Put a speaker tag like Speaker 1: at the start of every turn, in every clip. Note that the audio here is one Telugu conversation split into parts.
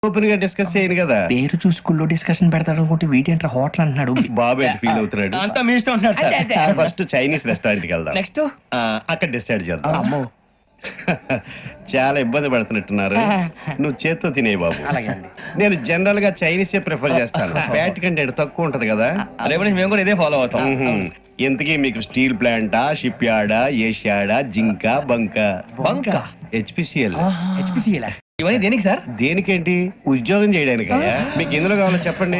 Speaker 1: ఓపెన్ గా డిస్కస్ చేయను కదా.
Speaker 2: పేరు చూసుకుల్లో డిస్కషన్ పెడతాడు అనుకుంటే వీటేంట్రా హోటల్ అంటున్నాడు.
Speaker 1: బాబు ఎట్ ఫీల్ అవుతున్నాడు.
Speaker 3: అంతా మీ ఇష్టం ఉంటాడు సార్.
Speaker 1: ఫస్ట్ చైనీస్ రెస్టారెంట్ కి వెళ్దాం.
Speaker 3: నెక్స్ట్
Speaker 1: అక్కడ డిసైడ్ చేద్దాం.
Speaker 2: అమ్మో
Speaker 1: చాలా ఇబ్బంది పడుతున్నట్టున్నారు. నువ్వు చేత్తో తినే బాబు. నేను జనరల్ గా చైనీసే ప్రిఫర్ చేస్తాను. ఫ్యాట్ కంటెంట్ తక్కువ ఉంటది కదా.
Speaker 3: రేపు నుంచి మేము కూడా ఇదే ఫాలో అవుతాం.
Speaker 1: ఇంతకీ మీకు స్టీల్ ప్లాంటా, షిప్ యార్డా, ఏషియాడా, జింక, బంకా?
Speaker 3: బంక
Speaker 1: హెచ్పిసిఎల్.
Speaker 3: ఇవన్నీ దేనికి సార్?
Speaker 1: దేనికేంటి? ఉద్యోగం చేయడానికి. మీకు ఎందులో కావాలో చెప్పండి.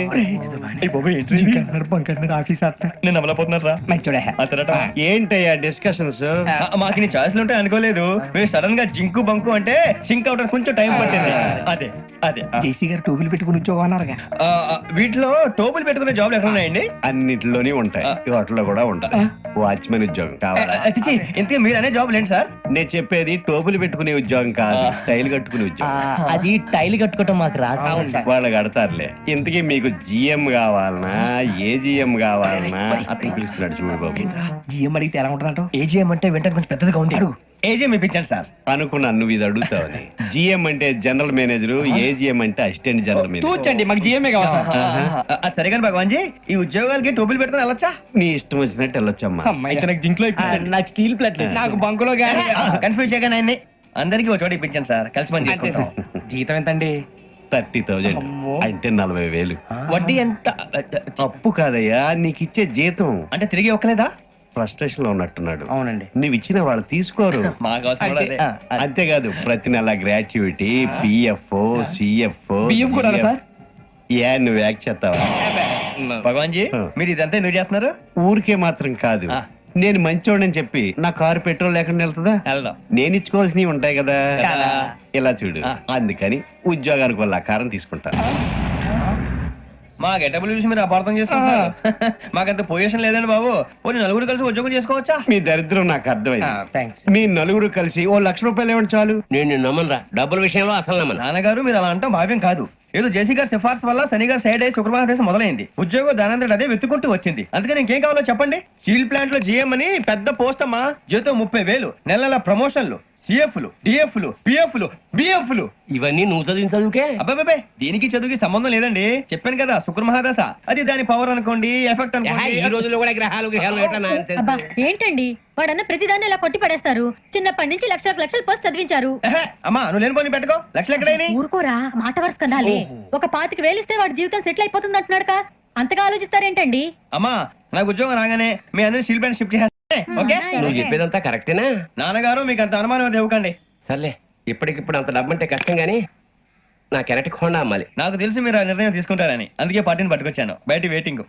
Speaker 3: నేను అమలపోతున్నారా
Speaker 1: ఏంటయ్యా డిస్కషన్స్?
Speaker 3: మాకు నీ ఛాయిస్లు ఉంటాయి అనుకోలేదు. మీరు సడన్ గా జింకు బంకు అంటే సింక్ అవడానికి కొంచెం టైం పట్టింది. అదే అదే
Speaker 2: జేసీ గారు టోపీలు పెట్టుకుని ఉద్యోగం అన్నారుగా.
Speaker 3: వీటిలో టోపులు పెట్టుకునే జాబ్లు ఎక్కడ ఉన్నాయండి?
Speaker 1: అన్నిటిలోనే ఉంటాయి. వాటిలో కూడా ఉంటాయి. వాచ్మెన్ ఉద్యోగం కావాలా?
Speaker 3: ఇంతకీ మీరు అనే జాబ్ ఏంటి సార్?
Speaker 1: నేను చెప్పేది టోపులు పెట్టుకునే ఉద్యోగం కాదు, టైల్ కట్టుకునే ఉద్యోగం.
Speaker 2: అది టైల్ కట్టుకోవటం మాకు రాదు.
Speaker 1: వాళ్ళు కడతారులే. ఇంతకీ మీకు జిఎం కావాలనా, ఏజిఎం కావాలనా? అట్లా పిలుస్తున్నాడు చూడు బాబు.
Speaker 2: జిఎం అడిగితే ఎలా ఉంటుందంట?
Speaker 3: ఏజీఎం అంటే వెంటనే కొంచెం పెద్దదిగా ఉంది. అడుగు. ఏజీఎం ఇప్పించండి సార్.
Speaker 1: అనుకున్నాను నువ్వు ఇది అడుగుతావని. జిఎం అంటే జనరల్ మేనేజర్, ఏజిఎం అంటే అసిస్టెంట్ జనరల్ మేనేజర్.
Speaker 2: తూచండి, మాకు జిఎంఏ కావాలి సార్.
Speaker 3: అది సరే కానీ భగవాన్ జీ, ఈ ఉద్యోగాలకి టోపులు పెట్టుకుని వెళ్ళొచ్చా?
Speaker 1: నీ ఇష్టం వచ్చినట్టు వెళ్ళొచ్చమ్మా.
Speaker 3: అయితే నాకు జింక్ లో
Speaker 2: నాకు స్టీల్ ప్లేట్, నాకు బంకులో గానీ.
Speaker 3: కన్ఫ్యూజ్ చేయగానే ఆయన్ని అందరికి ఒక చోట ఇప్పించండి సార్. కలిసి పని చేసుకుంటాం.
Speaker 2: జీతం ఎంతండి?
Speaker 1: 30,000 అంటే 40,000.
Speaker 3: వడ్డీ ఎంత?
Speaker 1: అప్పు కాదయ్యా, నీకు ఇచ్చే జీతం.
Speaker 3: అంటే తిరిగి ఒక్కలేదా?
Speaker 1: ఫ్రస్ట్రేషన్ లో ఉన్నట్టున్నాడు.
Speaker 2: అవునండి.
Speaker 1: నువ్వు ఇచ్చిన వాళ్ళు తీసుకోరు.
Speaker 3: మాకు అవసరం కూడా అదే.
Speaker 1: అంతేకాదు ప్రతి నెల గ్రాట్యుటీ, పిఎఫ్, సిఎఫ్.
Speaker 2: బియ్యం కూడా సార్?
Speaker 1: ఏ నువ్వు యాక్ట్ చేస్తావా?
Speaker 3: భగవాన్ జీ, మీరు ఇదంతా ఎందుకు చేస్తున్నారు?
Speaker 1: ఊరికే మాత్రం కాదు. నేను మంచోడని చెప్పి నా కారు పెట్రోల్ లేకుండా వెళ్తుందా?
Speaker 3: వెళ్దాం.
Speaker 1: నేను ఇచ్చుకోవాల్సినవి ఉంటాయి కదా.
Speaker 3: కదా.
Speaker 1: ఇలా చూడు. అందుకని ఉద్యోగానికి వాళ్ళ ఆకారం తీసుకుంటా.
Speaker 3: మా గెటబుల్ చూసి మీరు అపార్థం చేసుకుంటున్నారు. మాకంత పొజిషన్ లేదండి బాబు. పోనీ నలుగురు కలిసి ఉద్యోగం చేసుకోవచ్చా?
Speaker 1: మీ దరిద్రం నాకు అర్థమైంది.
Speaker 2: థ్యాంక్స్.
Speaker 1: మీ నలుగురు కలిసి ₹1,00,000 ఇవ్వండి చాలు.
Speaker 4: నేను నమ్మనరా, డబ్బుల విషయంలో అసలు నమ్మను.
Speaker 3: నాన్నగారు మీరు అలా అంటాం భావ్యం కాదు. ఏదో జేసీ గారి సిఫార్సు వల్ల శని గారు సైడ్ అయ్యి శుక్రవారం దేశం మొదలైంది. ఉద్యోగం దానంతటి అదే వెతుకుంటూ వచ్చింది. అందుకని ఇంకేం కావాలో చెప్పండి. స్టీల్ ప్లాంట్ లో జీఎం అని పెద్ద పోస్ట్ అమ్మా. జీతం 30,000, నెల నెల ప్రమోషన్లు, సిఎఫ్లు, డిఎఫ్లు, పిఎఫ్లు, బిఎఫ్లు.
Speaker 4: ఇవన్నీ నువ్వు చదివిన చదువుకే.
Speaker 3: అబ్బాబే, దీనికి చదువుకి సంబంధం లేదండి. చెప్పాను కదా, శుక్ర మహాదశ. అది దాని పవర్ అనుకోండి, ఎఫెక్ట్ అనుకోండి.
Speaker 4: ఈ రోజుల్లో కూడా గ్రహాలు ఏటా nonsense?
Speaker 5: అబ్బా ఏంటండి వాడన్న ప్రతిదాన్ని ఇలా కొట్టి పడేస్తారు. చిన్నప్పటి నుంచి లక్షలు పోస్ట్ చదివించారు.
Speaker 3: అమ్మా నువ్వు లేని పోనీ పెట్టుకో. లక్షలు ఎక్కడైనా
Speaker 5: ఊరుకోరా, మాట వరుస కదాలే. ఒక 25,000 ఇస్తే వాడి జీవితం సెటిల్ అయిపోతుంది అంటున్నాడుక. అంతగా ఆలోచిస్తారేంటండి?
Speaker 3: అమ్మా నాకు ఉద్యోగం రాగానే మీ అందరినీ స్టీల్ ప్లాంట్ షిఫ్ట్ చేస్తే ఓకే?
Speaker 4: నువ్వు చెప్పేదంతా కరెక్టేనా?
Speaker 3: నాన్నగారు మీకు అంత అనుమానం అది ఇవ్వకండి.
Speaker 4: సర్లే, ఇప్పటికిప్పుడు అంత డబ్బు అంటే కష్టం గానీ నా కెనటిక్ హోండా అమ్మాలి.
Speaker 3: నాకు తెలుసు మీరు ఆ నిర్ణయం తీసుకుంటారని, అందుకే పార్టీని పట్టుకొచ్చాను. బయట వెయిటింగ్.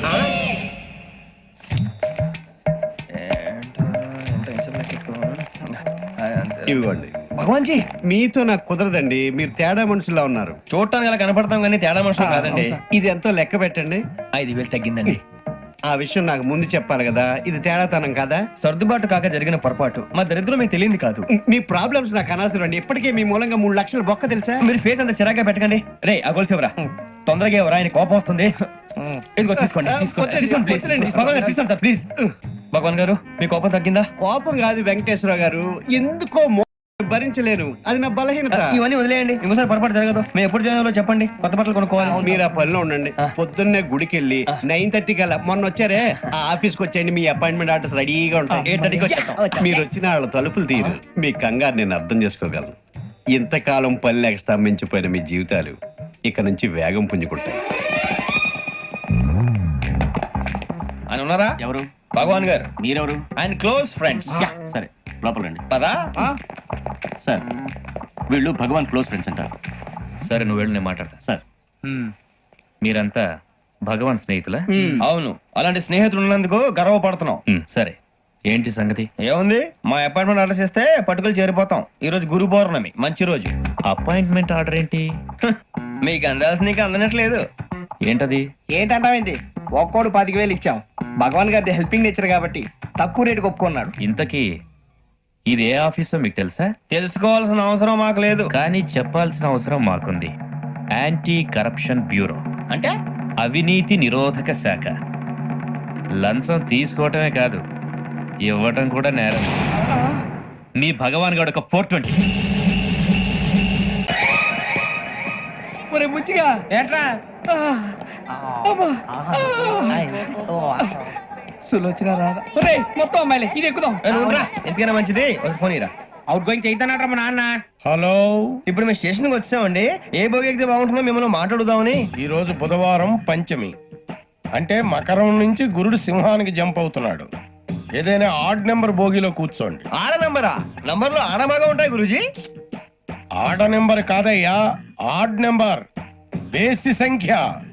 Speaker 1: ఇవ్వండి.
Speaker 3: భగవాన్ జీ,
Speaker 1: మీతో నాకు కుదరదండి. మీరు తేడా మనుషుల్లా ఉన్నారు.
Speaker 3: చూడటానికి అలా కనపడతాం కానీ తేడా మనుషులు కాదండి.
Speaker 1: ఇది ఎంతో లెక్క పెట్టండి.
Speaker 3: 5,000 తగ్గిందండి.
Speaker 1: ఆ విషయం నాకు ముందు చెప్పాలి కదా. ఇది తేడాతనం కదా.
Speaker 3: సర్దుబాటు కాక జరిగిన పొరపాటు. మా దరిద్రం మీకు తెలియంది కాదు.
Speaker 1: మీ ప్రాబ్లమ్స్ నాకు అనవసరం అండి. ఇప్పటికే మీ మూలంగా 3,00,000 బొక్క తెలుసా.
Speaker 3: మీరు ఫేస్ అంత చిరాగ్గా పెట్టకండి. రే ఆ గొలుసు ఎవరా? తొందరగా ఎవరా? ఆయన కోపం వస్తుంది. ఇదిగో తీసుకోండి. తీసుకోండి సార్ ప్లీజ్. భగవాన్ గారు మీ కోపం తగ్గిందా?
Speaker 1: కోపం కాదు వెంకటేశ్వర గారు, ఎందుకో భరించలేను. అది నా బలహీనత.
Speaker 3: ఇవన్నీ వదిలేయండి, ఇంకోసారి పొరపాటు జరగదు. మేము ఎప్పుడు జాయిన్ అవ్వాలో చెప్పండి, కొత్త బట్టలు కొనుక్కోవాలి.
Speaker 1: మీరు ఆ పనిలో ఉండండి. పొద్దున్నే గుడికి వెళ్ళి 9:30 కల్లా, మొన్న వచ్చారే ఆ ఆఫీస్కి వచ్చేయండి. మీ అపాయింట్మెంట్ ఆర్డర్స్ రెడీగా ఉంటాయి.
Speaker 3: 8:30కి వచ్చేస్తాం.
Speaker 1: మీరు వచ్చిన వాళ్ళ తలుపులు తీరు. మీ కంగారు నేను అర్థం చేసుకోగలను. ఇంతకాలం పని లేక స్తంభించిపోయిన మీ జీవితాలు ఇక నుంచి వేగం పుంజుకుంటాయి.
Speaker 3: ఆయన ఉన్నారా?
Speaker 4: ఎవరు?
Speaker 3: భగవాన్ గారు.
Speaker 4: మీరెవరు?
Speaker 3: ఆయన క్లోజ్ ఫ్రెండ్స్.
Speaker 4: సరే లోపల రండి.
Speaker 3: పదా
Speaker 4: సార్, వీళ్ళు భగవాన్ క్లోజ్ ఫ్రెండ్స్ అంటారు.
Speaker 6: సరే నువ్వు వెళ్ళు, నేను మాట్లాడతా.
Speaker 4: సార్,
Speaker 6: మీరంతా భగవాన్ స్నేహితులా?
Speaker 3: అవును, అలాంటి స్నేహితులు ఉన్నందుకు గర్వపడుతున్నాం.
Speaker 6: సరే, ఏంటి సంగతి?
Speaker 3: ఏముంది, మా అపాయింట్మెంట్ ఆర్డర్ చేస్తే పట్టుకులు చేరిపోతాం. ఈ రోజు గురు పౌర్ణమి, మంచి రోజు.
Speaker 6: అపాయింట్మెంట్ ఆర్డర్ ఏంటి?
Speaker 3: మీకు అందాల్సిన నీకు అందనట్లేదు.
Speaker 6: ఏంటది?
Speaker 2: ఏంటంటావేంటి? ఒక్కోడు 25,000 ఇచ్చాం. భగవాన్ గారి హెల్పింగ్ నేచర్ కాబట్టి తక్కువ రేటుకి ఒప్పుకున్నాడు.
Speaker 6: ఇంతకీ ఇది ఏ ఆఫీసో మీకు తెలుసా?
Speaker 3: తెలుసుకోవాల్సిన అవసరం మాకు లేదు,
Speaker 6: కానీ చెప్పాల్సిన అవసరం మాకుంది. యాంటీ కరప్షన్ బ్యూరో
Speaker 3: అంటే
Speaker 6: అవినీతి నిరోధక శాఖ. లంచం తీసుకోవటమే కాదు, ఇవ్వటం కూడా నేరం. మీ భగవాన్ గారు ఒక 420.
Speaker 2: ఒరే బుచ్చిగా
Speaker 3: ఏట్రా
Speaker 2: సులోచన రాదా ఒరే మొత్తం అమ్మాయిలే ఇది ఎక్కుదాం
Speaker 3: ఎందుకైనా మంచిది ఒక ఫోన్ ఇరా.
Speaker 2: అవుట్ గోయింగ్ చేద్దానట్రా మా నాన్న.
Speaker 7: హలో,
Speaker 3: ఇప్పుడు మేము స్టేషన్కి వచ్చామండి. ఏ బోగి ఎక్కితే బాగుంటుందో మిమ్మల్ని మాట్లాడుదామని.
Speaker 7: ఈరోజు బుధవారం పంచమి, అంటే మకరం నుంచి గురుడు సింహానికి జంప్ అవుతున్నాడు. ఏదైనా ఆడ్ నెంబర్ బోగిలో కూర్చోండి.
Speaker 3: ఆడ నంబరా? నంబర్లు ఆడ బాగా ఉంటాయి గురూజీ.
Speaker 7: ఆడ నెంబర్ కాదయ్యా, ఆడ్ నెంబర్, బేసి సంఖ్య.